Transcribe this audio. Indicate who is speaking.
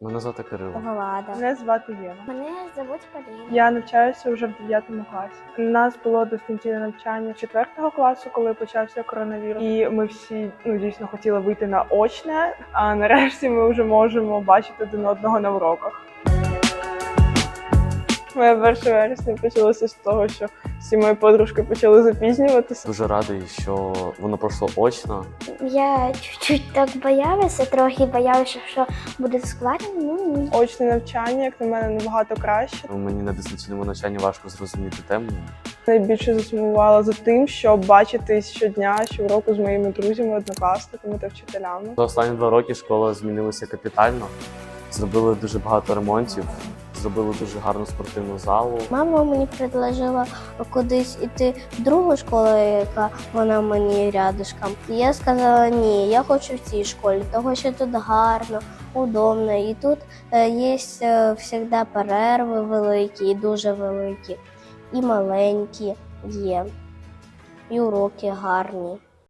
Speaker 1: Мене звати Кирило.
Speaker 2: Влада.
Speaker 3: Мене звати Єва.
Speaker 2: Мене звуть Поліна.
Speaker 3: Я навчаюся вже в 9 класі. У нас було дистанційне навчання 4 класу, коли почався коронавірус. І ми всі дійсно хотіли вийти на очне, а нарешті ми вже можемо бачити один одного на уроках. Моє 1 вересня почалося з того, що всі мої подружки почали запізнюватися.
Speaker 1: Дуже радий, що воно пройшло очно.
Speaker 2: Я чуть-чуть так боялася, трохи боялася, що буде складно. Ні.
Speaker 3: Очне навчання, як на мене, набагато краще.
Speaker 1: Мені на дистанційному навчанні важко зрозуміти тему.
Speaker 3: Найбільше засумувала за тим, щоб бачитись щодня, щороку з моїми друзями, однокласниками та вчителями.
Speaker 1: За останні 2 роки школа змінилася капітально. Зробили дуже багато ремонтів, зробили дуже гарну спортивну залу.
Speaker 2: Мама мені предложила кудись іти в другу школу, яка вона мені рядышком. І я сказала, ні, я хочу в цій школі, тому що тут гарно, удобно. І тут є завжди перерви великі, і дуже великі, і маленькі є, і уроки гарні.